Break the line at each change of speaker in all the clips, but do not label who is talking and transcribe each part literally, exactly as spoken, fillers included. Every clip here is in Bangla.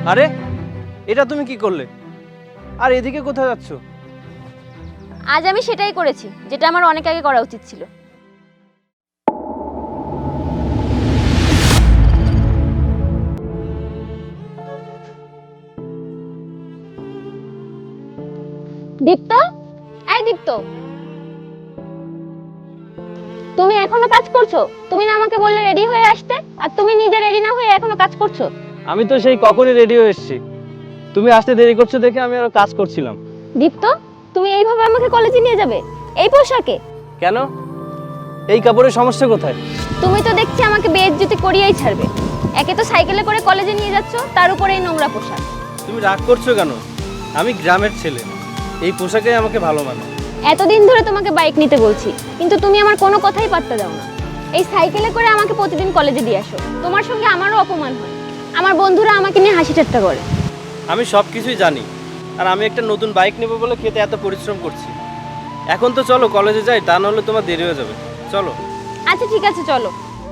আরে এটা তুমি কি করলে? আর এদিকে কোথায় যাচ্ছ?
আজ আমি সেটাই করেছি যেটা আমার অনেক আগে করা উচিত ছিল। দীপ্ত, এই দীপ্ত, তুমি এখনো কাজ করছো? তুমি না আমাকে বললে রেডি হয়ে আসতে, আর তুমি নিজে রেডি না হয়ে এখনো কাজ করছো।
আমি তো সেই কখনই রেডি হয়ে এসেছি, তুমি আসতে দেরি করছো দেখে আমি আরো কাজ করছিলাম।
দীপ্ত, তুমি এইভাবে আমাকে কলেজে নিয়ে যাবে এই পোশাকে?
কেন? এই কাপড়ের সমস্যা কোথায়?
তুমি তো দেখছি আমাকে বেইজ্জতি করিয়েই ছাড়বে। একে তো সাইকেলে করে কলেজে নিয়ে যাচ্ছ, তার উপরে এই নোংরা পোশাক।
তুমি রাগ করছো কেন? আমি গ্রামের ছেলে, এই পোশাকে আমাকে ভালো মানে।
এতদিন ধরে তোমাকে বাইক নিতে বলছি, কিন্তু তুমি আমার কোনো কথাই পাত্তা দাও না। এই সাইকেলে করে আমাকে প্রতিদিন কলেজে দিয়ে আসো। তোমার সঙ্গে আমারও অপমান হয়, আমার বন্ধুরা আমাকে নিয়ে হাসি ঠাট্টা করে।
আমি সব কিছুই জানি, আর আমি একটা নতুন বাইক নেবো বলে খেতে এত পরিশ্রম করছি। এখন তো চলো কলেজে যাই, তা নাহলে তোমার দেরি হয়ে যাবে। চলো।
আচ্ছা ঠিক আছে, চলো।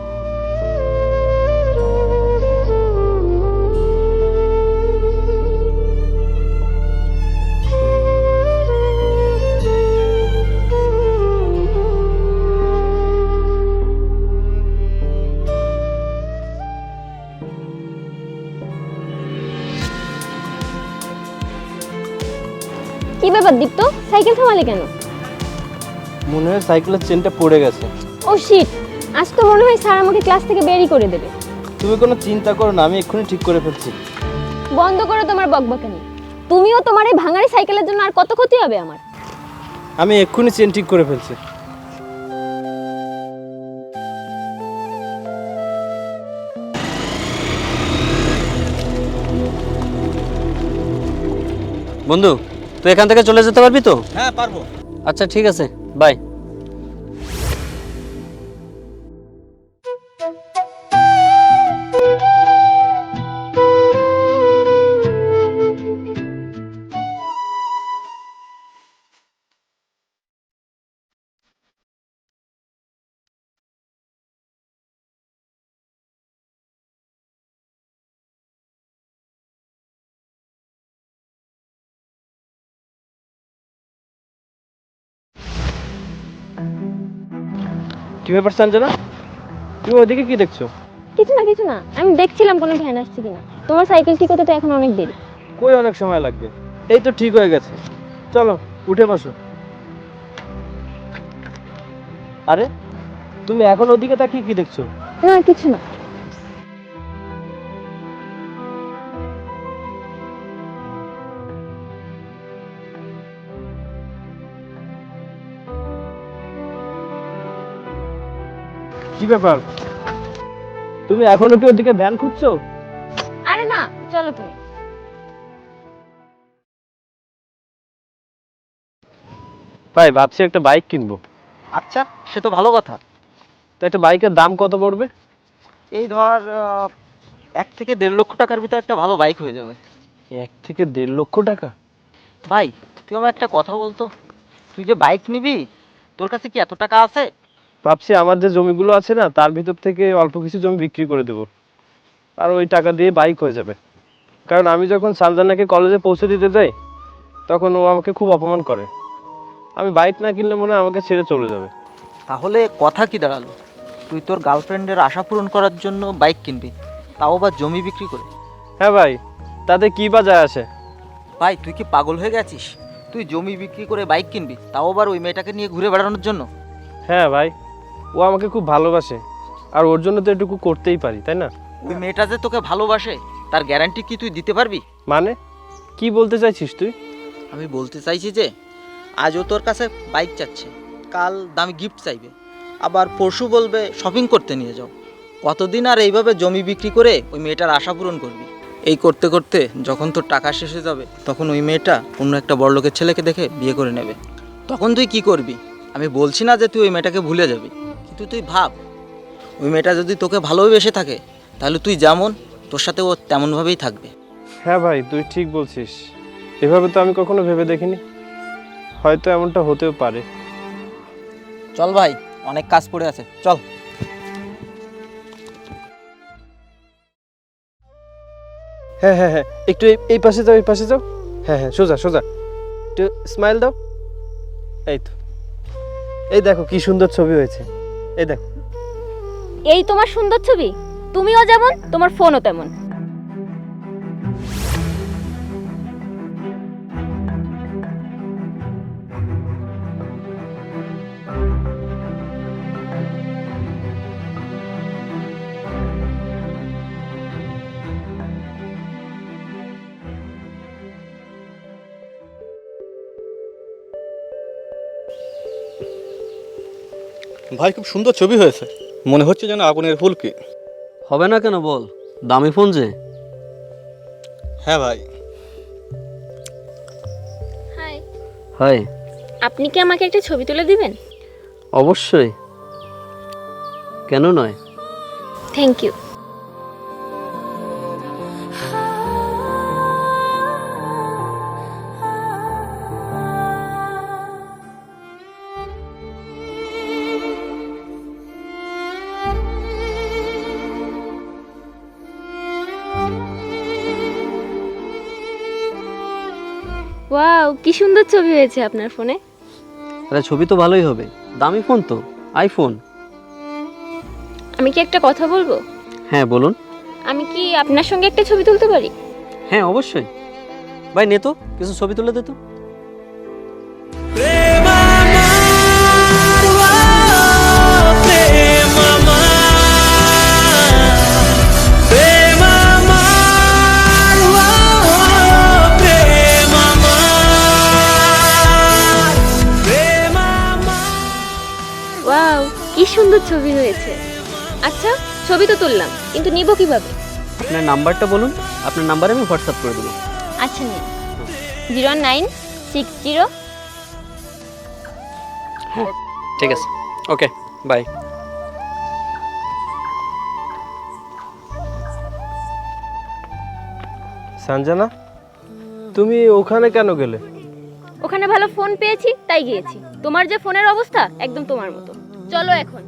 কি ব্যাপার দীপ্ত, সাইকেল থামালে কেন?
মনে হয় সাইকেলের চেনটা পড়ে গেছে।
ও শিট, আজ তো মনে হয় স্যার আমাকে ক্লাস থেকে বেরই করে দেবে।
তুমি কোনো চিন্তা করো না, আমি এক্ষুনি ঠিক করে ফেলছি।
বন্ধ করো তোমার বকবকানি। তুমিও তোমার এই ভাঙাড়ি সাইকেলের জন্য আর কত ক্ষতি হবে আমার।
আমি এক্ষুনি চেন ঠিক করে ফেলছি। বন্ধু, তুই এখান থেকে চলে যেতে পারবি তো?
হ্যাঁ পারবো।
আচ্ছা ঠিক আছে, বাই। কি ব্যাপার সঞ্জনা, তুমি ওইদিকে কি দেখছো?
কিছু না কিছু না, আমি দেখছিলাম কোনো ভ্যান আসছে কিনা। তোমার সাইকেল ঠিক হতে তো এখন অনেক দেরি।
কই অনেক সময় লাগবে, এই তো ঠিক হয়ে গেছে। চলো উঠে বসো। আরে তুমি এখন ওদিকে তাকিয়ে কি দেখছো?
না কিছু না।
কি ব্যাপার, তুমি এখনো কি ওদিকে ভ্যান খুঁজছো?
আরে না, চলো তুমি।
ভাই ভাবছি একটা বাইক কিনবো।
আচ্ছা, সে তো ভালো কথা।
তো একটা বাইকের দাম কত পড়বে?
এই ধর আহ, এক থেকে দেড় লক্ষ টাকার ভিতরে একটা ভালো বাইক হয়ে যাবে।
এক থেকে দেড় লক্ষ টাকা?
ভাই, তুই আমার একটা কথা বলতো, তুই যে বাইক নিবি, তোর কাছে কি এত টাকা আছে?
ভাবছি আমার যে জমিগুলো আছে না, তার ভিতর থেকে অল্প কিছু জমি বিক্রি করে দেবো, আর ওই টাকা দিয়ে বাইক হয়ে যাবে। কারণ আমি যখন সানজানাকে কলেজে পৌঁছে দিতে যাই, তখন ও আমাকে খুব অপমান করে। আমি বাইক না কিনলে মনে হয় আমাকে ছেড়ে চলে যাবে।
তাহলে কথা কি দাঁড়ালো, তুই তোর গার্লফ্রেন্ডের আশা পূরণ করার জন্য বাইক কিনবি, তাও বা জমি বিক্রি করে?
হ্যাঁ ভাই, তাতে কি বা যায় আসে?
ভাই তুই কি পাগল হয়ে গেছিস? তুই জমি বিক্রি করে বাইক কিনবি, তাও আবার ওই মেয়েটাকে নিয়ে ঘুরে বেড়ানোর জন্য?
হ্যাঁ ভাই, ও আমাকে খুব ভালোবাসে, আর ওর জন্য তো এটুকু করতেই পারি, তাই না?
ওই মেয়েটা যে তোকে ভালোবাসে, তার গ্যারান্টি কি তুই দিতে পারবি?
মানে কি বলতে চাইছিস তুই?
আমি বলতে চাইছি যে আজও তোর কাছে বাইক চাচ্ছে, কাল দামি গিফট চাইবে, আবার পরশু বলবে শপিং করতে নিয়ে যাও। কতদিন আর এইভাবে জমি বিক্রি করে ওই মেয়েটার আশা পূরণ করবি? এই করতে করতে যখন তোর টাকা শেষ হয়ে যাবে, তখন ওই মেয়েটা অন্য একটা বড়লোকের ছেলেকে দেখে বিয়ে করে নেবে। তখন তুই কি করবি? আমি বলছি না যে তুই ওই মেয়েটাকে ভুলে যাবি, কিন্তু তুই ভাব, ওই মেয়েটা যদি তোকে ভালোবেসে থাকে, তাহলে তুই যেমন, তোর সাথে ও তেমনভাবেই থাকবে।
হ্যাঁ ভাই, তুই ঠিক বলছিস। এভাবে তো আমি কখনো ভেবে দেখিনি, হয়তো এমনটা হতেও পারে।
চল ভাই, অনেক কাজ পড়ে আছে, চল।
হ্যাঁ হ্যাঁ হ্যাঁ, একটু এই এই পাশে যাও, এই পাশে যাও। হ্যাঁ হ্যাঁ, সোজা সোজা, একটু স্মাইল দাও। এই তো, এই দেখো কি সুন্দর ছবি হয়েছে, এই দেখো।
এই তোমার সুন্দর ছবি, তুমিও যেমন তোমার ফোনও তেমন।
ভাই খুব সুন্দর ছবি হয়েছে, মনে হচ্ছে যেন আগুনের ফুলকি।
হবে না কেন বল, দামি ফোন যে।
হ্যাঁ ভাই।
Hi,
hi.
আপনি কি আমাকে একটা ছবি তুলে দিবেন?
অবশ্যই, কেন নয়।
Thank you. ওয়াও, কি সুন্দর ছবি হয়েছে আপনার ফোনে।
আরে ছবি তো ভালোই হবে, দামি ফোন তো, আইফোন।
আমি কি একটা কথা বলবো?
হ্যাঁ বলুন।
আমি কি আপনার সঙ্গে একটা ছবি তুলতে পারি?
হ্যাঁ অবশ্যই। ভাই নে তো কিছু ছবি তুলে দে তো।
ওয়াও, কি সুন্দর ছবি হয়েছে। আচ্ছা, ছবি তো তুললাম, কিন্তু নিব কিভাবে?
আপনার নাম্বারটা বলুন, আপনার নাম্বারে আমি হোয়াটসঅ্যাপ করে দেবো।
আচ্ছা নিন, জিরো নাইন সিক্স জিরো।
ঠিক আছে, ওকে বাই।
সঞ্জনা, তুমি ওখানে কেন গেলে?
ওখানে ভালো ফোন পেয়েছি তাই গিয়েছি। তোমার যে ফোনের অবস্থা একদম তোমার মতো। চলো এখন।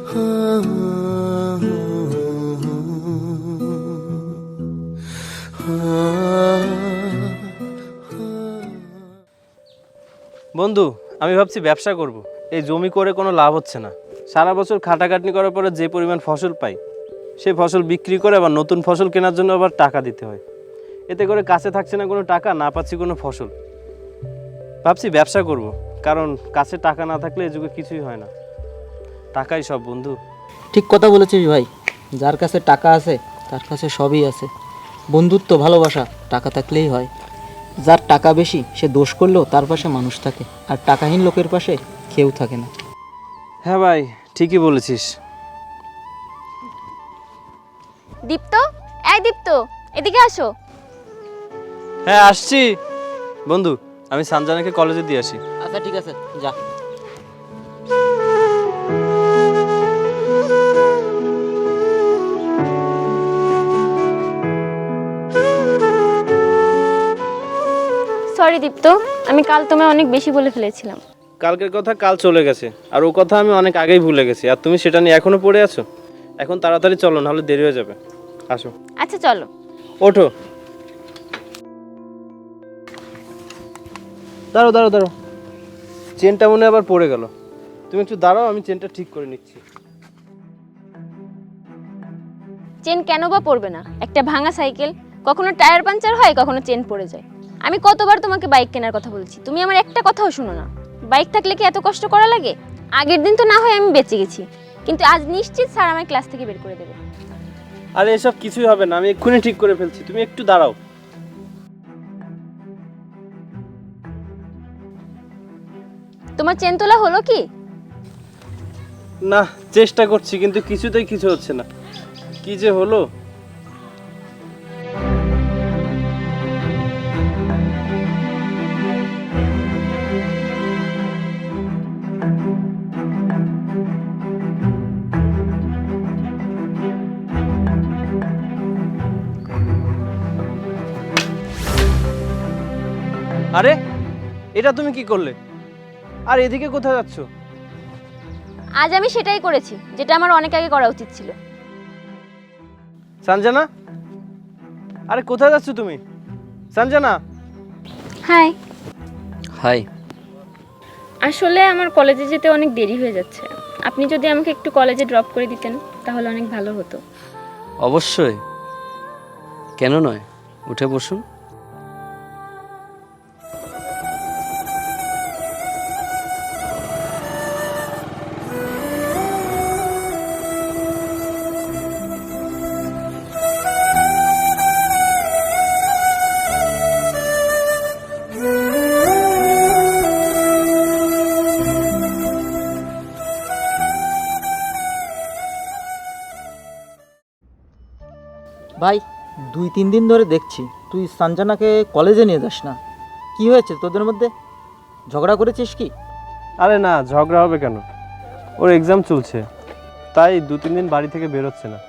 বন্ধু, আমি ভাবছি ব্যবসা করব। এই জমি করে কোনো লাভ হচ্ছে না। সারা বছর খাটাখাটনি করার পরে যে পরিমাণ ফসল পাই, সেই ফসল বিক্রি করে আবার নতুন ফসল কেনার জন্য আবার টাকা দিতে হয়। এতে করে কাছে থাকছে না কোনো টাকা, না পাচ্ছি কোনো ফসল। ভাবছি ব্যবসা করব, কারণ কাছে টাকা না থাকলে এই যুগে কিছুই হয় না। টাকাই সব বন্ধু।
ঠিক কথা বলেছিস ভাই, যার কাছে টাকা আছে তার কাছে সবই আছে। বন্ধুত্ব, ভালোবাসা টাকা থাকলেই হয়। যার টাকা বেশি সে দোষ করলেও তার পাশে মানুষ থাকে, আর টাকাহীন লোকের পাশে কেউ থাকে না।
হ্যাঁ ভাই, ঠিকই বলেছিস।
দীপ্ত, এই দীপ্ত, এদিকে আসো।
হ্যাঁ আসছি বন্ধু, আমি সঞ্জনাকে কলেজে দিয়ে আসি।
আচ্ছা ঠিক আছে, যা।
সরি দীপ্ত, আমি কাল তোমায় অনেক বেশি বলে ফেলেছিলাম।
কালকের কথা কাল চলে গেছে, আর ও কথা আমি অনেক আগেই ভুলে গেছি। আর তুমি সেটা নিয়ে এখনো পড়ে আছো। এখন তাড়াতাড়ি চলো, নাহলে দেরি হয়ে যাবে। আসো।
আচ্ছা চলো।
ওঠো। দাঁড়ো দাঁড়ো দাঁড়ো, চেনটা মনে হয় আবার পড়ে গেল। তুমি একটু দাঁড়াও, আমি চেনটা ঠিক করে নিচ্ছি।
চেন কেন বা পড়বে না? একটা ভাঙা সাইকেল, কখনো টায়ার পাঞ্চার হয়, কখনো চেন পড়ে যায়। আমি কতবার তোমাকে বাইক কেনার কথা বলছি, তুমি আমার একটা কথাও শুনো না। বাইক থাকলে কি এত কষ্ট করা লাগে? আগের দিন তো না হয় আমি বেঁচে গেছি, কিন্তু আজ নিশ্চিত স্যার আমায় ক্লাস থেকে বের করে দেবে।
আরে এসব কিছুই হবে না, আমি এক্ষুনি ঠিক করে ফেলছি। তুমি একটু দাঁড়াও।
তোমার চেন তোলা হলো কি?
না, চেষ্টা করছি কিন্তু কিছুতেই কিছু হচ্ছে না। কি যে হলো। আরে এটা তুমি কি করলে? আর এদিকে কোথায় যাচ্ছ?
আজ আমি সেটাই করেছি যেটা আমার অনেক আগে করা উচিত ছিল।
সঞ্জনা, আরে কোথায় যাচ্ছ তুমি? সঞ্জনা,
হাই।
হাই।
আসলে আমার কলেজে যেতে অনেক দেরি হয়ে যাচ্ছে, আপনি যদি আমাকে একটু কলেজে ড্রপ করে দিতেন তাহলে অনেক ভালো হতো।
অবশ্যই, কেন নয়, উঠে বসুন।
ভাই, দুই তিন দিন ধরে দেখছি তুই সঞ্জনাকে কলেজে নিয়ে যাস না। কি হয়েছে তোদের মধ্যে? ঝগড়া করেছিস কি?
আরে না, ঝগড়া হবে কেন? ওর এক্সাম চলছে, তাই দু তিন দিন বাড়ি থেকে বেরোচ্ছে না।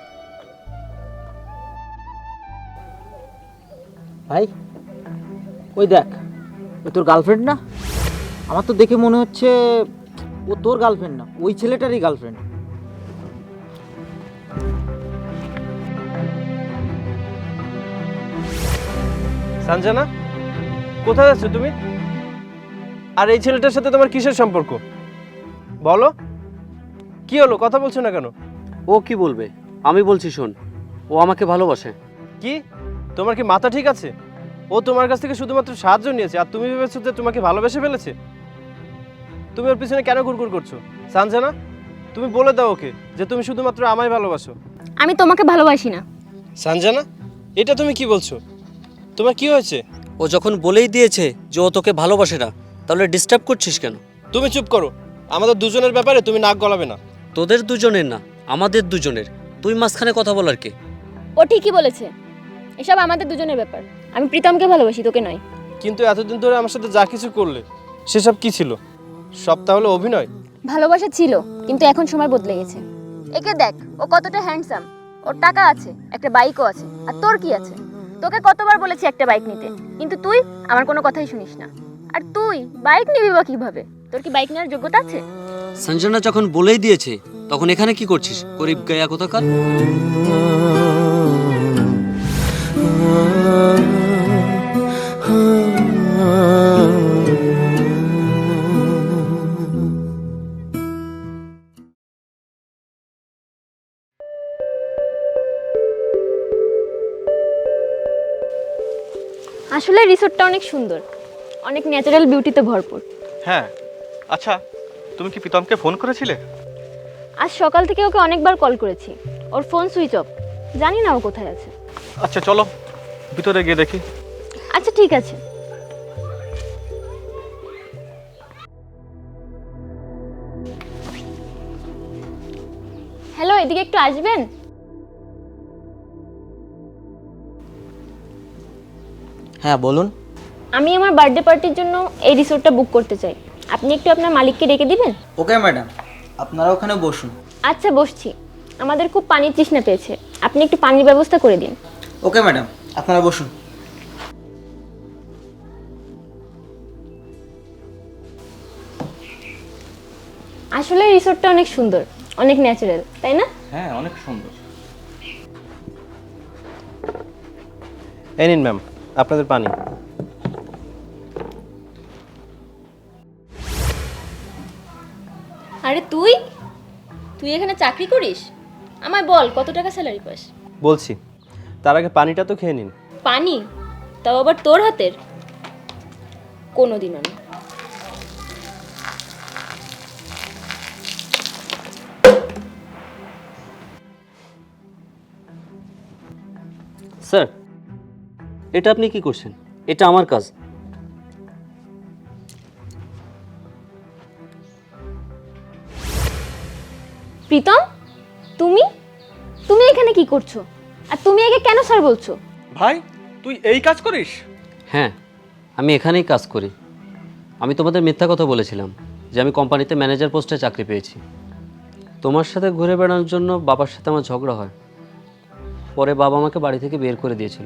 ভাই, ওই দেখ, ওই তোর গার্লফ্রেন্ড না? আমার তো দেখে মনে হচ্ছে ও তোর গার্লফ্রেন্ড না, ওই ছেলেটারই গার্লফ্রেন্ড।
সঞ্জনা, কোথায় যাচ্ছ তুমি? আর এই ছেলেটার সাথে তোমার কিসের সম্পর্ক বলো? কি হলো, কথা বলছো না কেন?
ও কি বলবে? আমি বলছি শোন, ও আমাকে ভালোবাসে।
কি, তোমার কি মাথা ঠিক আছে? ও তোমার কাছ থেকে শুধুমাত্র সাহায্য নিয়েছে, আর তুমি ভেবেছো যে তোমাকে ভালোবেসে ফেলেছে? তুমি ওর পিছনে কেন ঘুরঘুর করছো? সঞ্জনা, তুমি বলে দাও ওকে যে তুমি শুধুমাত্র আমায় ভালোবাসো।
আমি তোমাকে ভালোবাসি না।
সঞ্জনা, এটা তুমি কি বলছো? তোমার কি হয়েছে?
ও যখন বলেই দিয়েছে যে ও তোকে ভালোবাসে না, তাহলে ডিস্টার্ব করছিস কেন?
তুমি চুপ করো, আমাদের দুজনের ব্যাপারে তুমি নাক গলাবে না।
তোদের দুজনের না, আমাদের দুজনের। তুই মাঝখানে কথা বলার কে?
ও ঠিকই বলেছে, এসব আমাদের দুজনের ব্যাপার। আমি প্রীতমকে ভালোবাসি, তোকে নয়।
কিন্তু এতদিন ধরে আমার সাথে যা কিছু করলে সেসব কি ছিল? সব তাহলে অভিনয়?
ভালোবাসা ছিল, কিন্তু এখন সময় বদলে গেছে। একে দেখ, ও কতটা হ্যান্ডসাম, ওর টাকা আছে, একটা বাইকও আছে। আর তোর কি আছে? তোকে কতবার বলেছি একটা বাইক নিতে, কিন্তু তুই আমার কোনো কথাই শুনিস না। আর তুই বাইক নিবি বা কিভাবে? তোর কি বাইক নেওয়ার যোগ্যতা আছে?
সঞ্জনা যখন বলেই দিয়েছে, তখন এখানে কি করছিস? গরিব গায়া কোথাকার।
আসলে রিসোর্টটা অনেক সুন্দর, অনেক ন্যাচারাল বিউটিতে ভরপুর।
হ্যাঁ, আচ্ছা, তুমি কি প্রীতমকে ফোন করেছিলে?
আজ সকাল থেকে ওকে অনেকবার কল করেছি, ওর ফোন সুইচ অফ, জানি না ও কোথায় আছে।
আচ্ছা চলো ভিতরে গিয়ে দেখি।
আচ্ছা ঠিক আছে। হ্যালো, এদিকে একটু আসবেন?
হ্যাঁ বলুন।
আমি আমার বার্থডে পার্টির জন্য এই রিসোর্টটা বুক করতে চাই, আপনি একটু আপনার মালিককে ডেকে দিবেন?
ওকে ম্যাডাম, আপনারা ওখানে বসুন।
আচ্ছা বসছি। আমাদের খুব পানির তৃষ্ণা পেয়েছে, আপনি একটু পানির ব্যবস্থা করে দিন।
ওকে ম্যাডাম, আপনারা বসুন।
আসলে রিসোর্টটা অনেক সুন্দর, অনেক ন্যাচারাল, তাই না?
হ্যাঁ, অনেক সুন্দর।
এই নিন ম্যাম, আপনাদের পানি।
আরে তুই তুই এখানে চাকরি করিস? আমায় বল কত টাকা স্যালারি পাস?
বলছি, তার আগে পানিটা তো খেয়ে নিন।
পানি? তাও আবার তোর হাতের? কোনোদিনও না।
স্যার, এটা আপনি কি করছেন? এটা আমার কাজ।
প্রীতম, তুমি তুমি এখানে কি করছো? আর তুমি একে কেন স্যার বলছো?
ভাই, তুই এই কাজ করিস?
হ্যাঁ, আমি এখানেই কাজ করি। আমি তোমাদের মিথ্যা কথা বলেছিলাম যে আমি কোম্পানিতে ম্যানেজার পোস্টে চাকরি পেয়েছি। তোমার সাথে ঘুরে বেড়ানোর জন্য বাবার সাথে আমার ঝগড়া হয়, পরে বাবা আমাকে বাড়ি থেকে বের করে দিয়েছিল।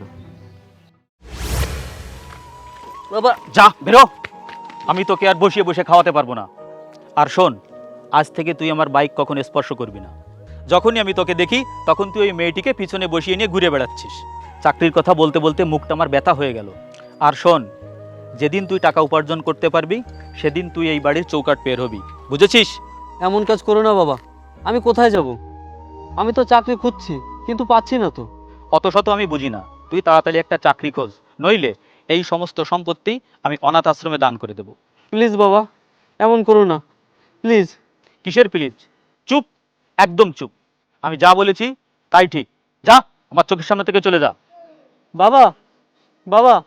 বাবা যা বেরো, আমি তোকে আর বসিয়ে বসে খাওয়াতে পারবো না। আর শোন, আজ থেকে তুই আমার বাইক কখনো স্পর্শ করবি না। যখনই আমি তোকে দেখি তখন তুই ওই মেয়েটিকে পিছনে বসিয়ে নিয়ে ঘুরে বেড়াচ্ছিস। চাকরির কথা বলতে বলতে মুখটা আমার ব্যথা হয়ে গেল। আর শোন, যেদিন তুই টাকা উপার্জন করতে পারবি সেদিন তুই এই বাড়ির চৌকাঠ পের হবি, বুঝেছিস?
এমন কাজ করো না বাবা, আমি কোথায় যাব? আমি তো চাকরি খুঁজছি কিন্তু পাচ্ছি না তো।
অত শত আমি বুঝি না, তুই তাড়াতাড়ি একটা চাকরি খোঁজ, নইলে এই সমস্ত সম্পত্তি আমি অনাথ আশ্রমে দান করে দেব।
প্লিজ বাবা, এমন করো না প্লিজ।
কিসের প্লিজ? চুপ, একদম চুপ। আমি যা বলেছি তাই ঠিক। যা, আমার চোখের সামনে থেকে চলে যা।
বাবা, বাবা।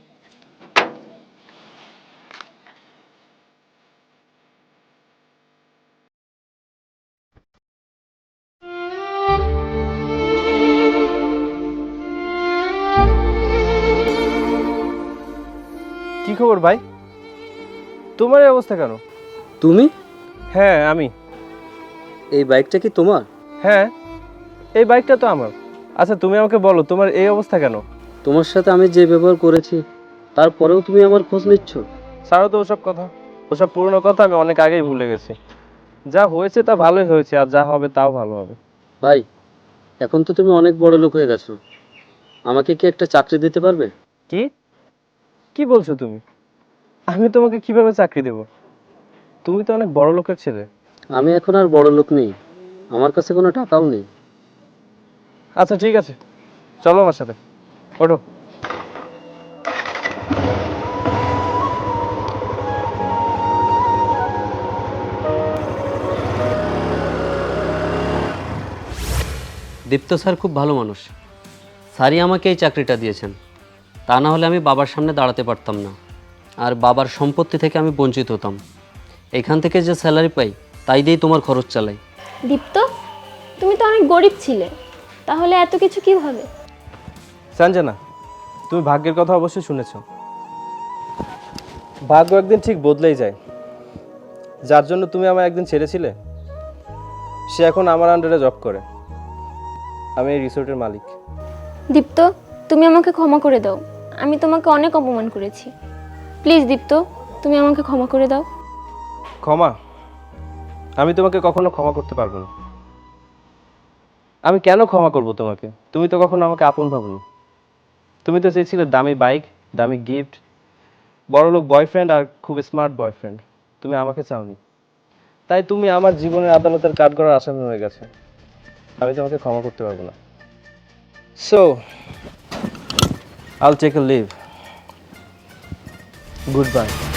কি খবর ভাই? তোমার এই অবস্থা কেন?
তুমি?
হ্যাঁ আমি।
এই বাইকটা কি তোমার?
হ্যাঁ, এই বাইকটা তো আমার। আচ্ছা তুমি আমাকে বলো, তোমার এই অবস্থা কেন?
তোমার সাথে আমি যে ব্যবহার করেছি তারপরেও তুমি আমার খোঁজ নিচ্ছ?
ছাড়ো তো ওসব কথা, ওসব পুরনো কথা আমি অনেক আগেই ভুলে গেছি। যা হয়েছে তা ভালোই হয়েছে, আর যা হবে তাও ভালো হবে।
ভাই, এখন তো তুমি অনেক বড় লোক হয়ে গেছো, আমাকে কি একটা চাকরি দিতে পারবে?
কি কি বলছো তুমি? আমি তোমাকে কিভাবে চাকরি দেব? তুমি তো অনেক বড় লোকের ছেলে।
আমি এখন আর বড় লোক নেই, আমার কাছে কোনো টাকাও নেই।
আচ্ছা ঠিক আছে, চলো আমার সাথে, ওঠো।
দীপ্ত স্যার খুব ভালো মানুষ, স্যারই আমাকে এই চাকরিটা দিয়েছেন। তা না হলে আমি বাবার সামনে দাঁড়াতে পারতাম না, আর বাবার সম্পত্তি থেকে আমি বঞ্চিত হতাম। এখান থেকে যে স্যালারি পাই তাই দিয়েই তোমার খরচ চালাই।
দীপ্ত, তুমি তো অনেক গরিব ছিলে, তাহলে এত কিছু কিভাবে?
সঞ্জনা, তুমি ভাগ্যের কথা অবশ্যই শুনেছ। ভাগ্য একদিন ঠিক বদলেই যায়। যার জন্য তুমি আমায় একদিন ছেড়েছিলে, সে এখন আমার আন্ডারে জব করে। আমি এই রিসোর্টের মালিক।
দীপ্ত, তুমি আমাকে ক্ষমা করে দাও, আমি তোমাকে অনেক অপমান করেছি। প্লিজ দীপ্ত, তুমি আমাকে ক্ষমা করে দাও।
ক্ষমা? আমি তোমাকে কখনো ক্ষমা করতে পারবো না। আমি কেন ক্ষমা করব তোমাকে? তুমি তো কখনো আমাকে আপন ভাবনি। তুমি তো চেয়েছিলে দামি বাইক, দামি গিফট, বড়লোক বয়ফ্রেন্ড আর খুব স্মার্ট বয়ফ্রেন্ড। তুমি আমাকে চাওনি, তাই তুমি আমার জীবনের আদালতের কাঠগড়ার আসামি হয়ে গেছে। আমি তোমাকে ক্ষমা করতে পারবো না। So I'll take a leave. Good by.